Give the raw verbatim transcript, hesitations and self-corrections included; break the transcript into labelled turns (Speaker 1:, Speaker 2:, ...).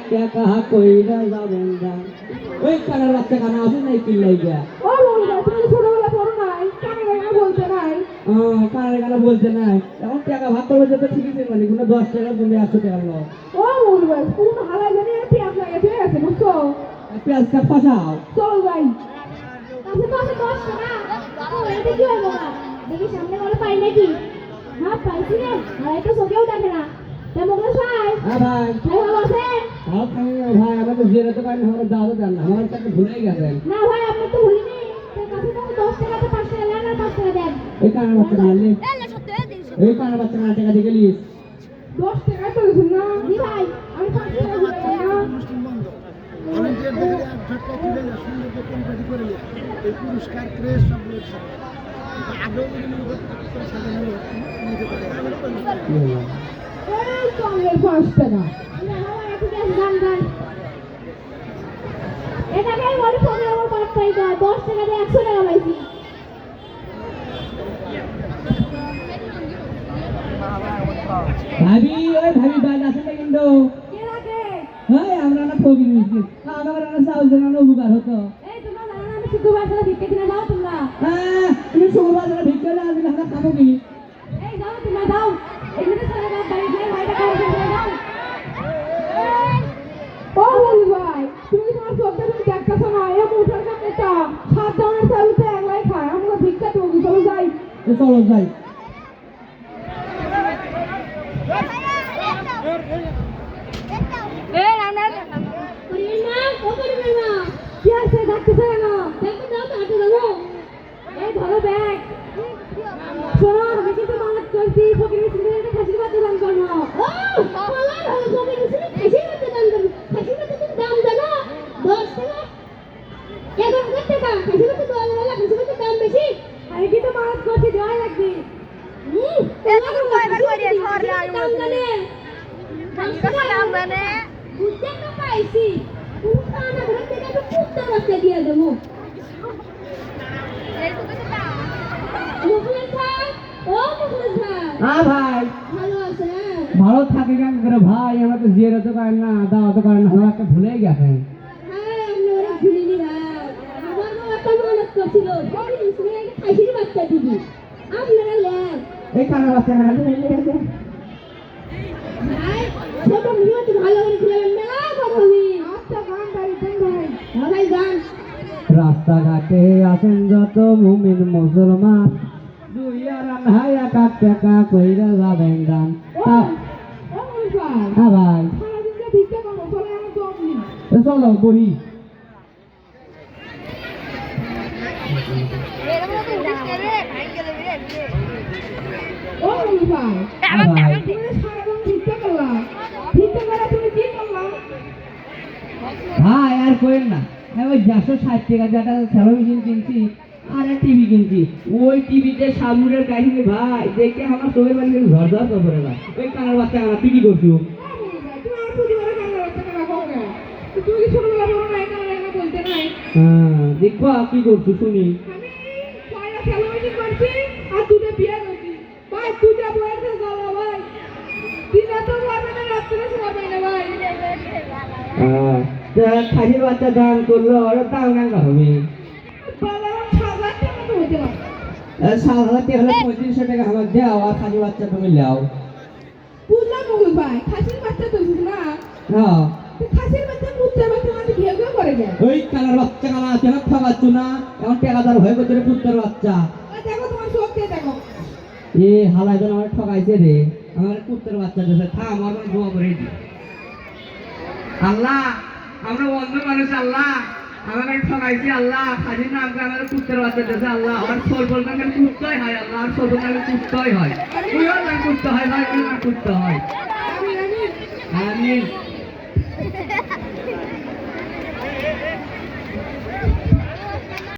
Speaker 1: টাকা কইরা যাবেন গান ওই কানার বাচ্চা কানা আছে নাই কি লাইগা
Speaker 2: ও বলবা তুমি ছোটবেলা পড়ো নাই কানে গানে বলতে নাই
Speaker 1: ও কানার গানা বলতে নাই এখন টাকা ভাগ করবে তো ঠিকই আছে মানে কোনো দশ টাকা তুমি একশো টাকা নাও
Speaker 2: ও বলবা কোন হালাই জানি পেঁয়াজ লাগে ঠিক আছে বুঝছো
Speaker 1: পেঁয়াজটা ফাঁসাও
Speaker 2: চলো যাই
Speaker 3: কাছে তো আছে দশ টাকা ও এটা কি হলো না দেখি সামনে বলে পাই নাকি হ্যাঁ পাইছি রে আর এটা চোখেও দেখে না তা মোগলা সাহেব
Speaker 1: হ্যাঁ ভাই
Speaker 3: ভাই ভালো আছেন
Speaker 1: ভালো থাকি ভাই আমাকে জেরে তো কারণ আমার দাদা দেন না আমার টাকা ভুলেই গেছেন
Speaker 3: না ভাই আপনি তো ভুলিনি তার কাছে তো দশ টাকাতে পাঁচ টাকা নেন আর পাঁচ টাকা দেন
Speaker 1: এই কানার বাচ্চা নালি এই কানার বাচ্চা না টাকা দিয়ে গেলিস
Speaker 2: দশ টাকা তো দিছেন না
Speaker 3: জি ভাই
Speaker 2: আমি পাঁচ টাকা দিলাম না
Speaker 4: আমি যে দেখে এক ঝটকা তুলে যা সুন্দর করে কোম্পানি করে নিয়ে এই পুরস্কার ক্রেজ সব রয়েছে আগেও যদি মনে করতে সাজানো নিতে পারে
Speaker 2: এই কমের পাঁচ টাকা
Speaker 3: না ভাই ঠিক আছে যান যান এটাকে বলে ফোনে আমার পাঁচ টাকা দশ টাকা দিয়ে একশো টাকা পাইছি
Speaker 1: ভাবি ওই ভাবি বাজ আছে না কিন্তু
Speaker 2: কে লাগে
Speaker 1: হ্যাঁ আমরা না ঠকি নিয়েছি আমার না চাউল দেন না উপকার হতো
Speaker 2: এই তোমরা জানো না আমি শুদ্ধ ভাষা ভিক্ষা কিনা যাও তোমরা
Speaker 1: হ্যাঁ তুমি শুক্রবার যারা ভিক্ষা না দিলে আমরা খাবো কি
Speaker 2: এই যাও তোমরা যাও এমনিতে ছেলে বাপ বাড়ি গিয়ে ভাইটা খাওয়া করে যাও ও বলি ভাই তুমি তোমার চোখটা তুমি দেখতেছো না এ মুঠার কাপড়টা সাত দানের চালুতে একলাই খায় আমরা ভিক্ষা দেবো চলো যাই
Speaker 1: তো চলো যাই
Speaker 2: এই রান্না
Speaker 3: পরিবেন মা ও পরিবেন মা
Speaker 2: কি আছে ডাকতেছে কেন
Speaker 3: দেখো দাও তো হাতে দাও
Speaker 2: এই ধরো ব্যাগ শোনো আমি কিন্তু মানত করছি ফকির মিছিল একটা খাসির বাচ্চা দান করবো
Speaker 3: ও পালার হলো জমি রসুন খাসির মধ্যে দাম দেন খাসির মধ্যে তুমি দাম জানো দশ টাকা এগারো হাজার টাকা খাসির মধ্যে দশ হাজার খাসির মধ্যে দাম বেশি
Speaker 2: আমি কিন্তু মানত করছি দেওয়াই লাগবে
Speaker 3: হুম এরকম কয়বার করিয়া সরলে আমি দাম জানে দশ টাকা দাম জানে বুঝতে তো পাইছি পুরো না ঘরে থেকে একটু পুত্তর বাচ্চা দিয়ে দেবো মুখলেন ভাই ও মুখলেন ভাই
Speaker 1: হ্যাঁ ভাই
Speaker 3: ভালো আছেন
Speaker 1: ভালো থাকে কেন করে ভাই আমার তো জিয়ারত করেন না দাওয়াত করেন না আমার একটা ভুলেই গেছেন
Speaker 3: হ্যাঁ আমি ওরা ভুলিনি ভাই আমার বাবা একটা মানত করছিল ফকির মিছিলে একটা খাসির বাচ্চা দিবি আপনারা লেন
Speaker 1: এই কানার বাচ্চা না হলে গেছে
Speaker 3: ভাই ছোট মিনিমতে ভালো করে খেলেন মেলা কথা হবে
Speaker 2: আচ্ছা গান বাড়ি দেন ভাই
Speaker 3: হ্যাঁ ভাই গান
Speaker 1: রাস্তাঘাটে আছেন যত মুমিন মুসলমান দুই আর আড়াই এক টাকা কইরা যাবেন গান
Speaker 2: ও ও বলি ভাই
Speaker 1: হ্যাঁ ভাই
Speaker 2: সারাদিন যে ভিক্ষা করবো চলে আমার দম নেই
Speaker 1: তো চলো বলি
Speaker 2: ও বলি ভাই
Speaker 1: হ্যাঁ ভাই
Speaker 2: তুমি সারাদিন ভিক্ষা করলাম ভিক্ষা করে তুমি কি করলাম
Speaker 1: ভাই আর কইেন না হ্যাঁ ওই দেড়শো ষাট টাকা যেটা স্যালো মেশিন কিনছি আর টিভি কিনছি ওই টিভিতে সামুরের কাহিনী ভাই দেখে আমার চোখের বাড়ি ঝরঝর করে না ওই কানার বাচ্চা কানা তুই কি করছো
Speaker 2: তুমি আর প্রতিবারে কান্না করতে না রাখো কেন তুমি কি ছোটবেলা বড় নাই কান্না কান্না বলতে নাই
Speaker 1: হ্যাঁ দেখো কি করছো শুনি
Speaker 2: আমি ছয়টা সেলিব্রেশন করছি আর দুটো বিয়ে করছি ভাই দুটা বয়স হয়ে গেল ভাই দিনে তো পারবে না রাত্রে শোয়া পাই না ভাই
Speaker 1: হ্যাঁ খাসির বাচ্চা দান করলো ওরা দাম না হবে
Speaker 2: বাবা সাত হাজার টাকা তো হতে পারে
Speaker 1: সাত হাজার টাকা হলে পঁয়ত্রিশশো টাকা আমার দাও আর খাসির বাচ্চা তুমি লাও
Speaker 2: বুঝলাম মগুল ভাই খাসির বাচ্চা তো না
Speaker 1: হ্যাঁ
Speaker 2: তো খাসির বাচ্চা পুত্রের বাচ্চা মানে ঘেউ ঘেউ করে যায়
Speaker 1: ওই কানার বাচ্চা কানা আছে না খাওয়াচ্ছ না এখন টাকাদার হয়ে গেছে রে পুত্রের বাচ্চা
Speaker 2: ওই দেখো তোমার চোখ দিয়ে দেখো
Speaker 1: এ হালাই জন আমার ঠকাইছে রে আমার পুত্রের বাচ্চা দেশে থা আমার মানে দোয়া করে দি আল্লাহ আমরা অন্ধ মানুষ আল্লাহ আমাকে ঠকাইছি আল্লাহ খাজির নাম করে আমাদের পুত্রের বাচ্চা দেশে আল্লাহ আমার সর্বল নামে পুত্রই হয় আল্লাহ আর সর্বল নামে পুত্রই হয় ওই নাম পুত্র হয় ভাই ওই নাম পুত্র হয়
Speaker 2: আমি আমি
Speaker 1: আমিন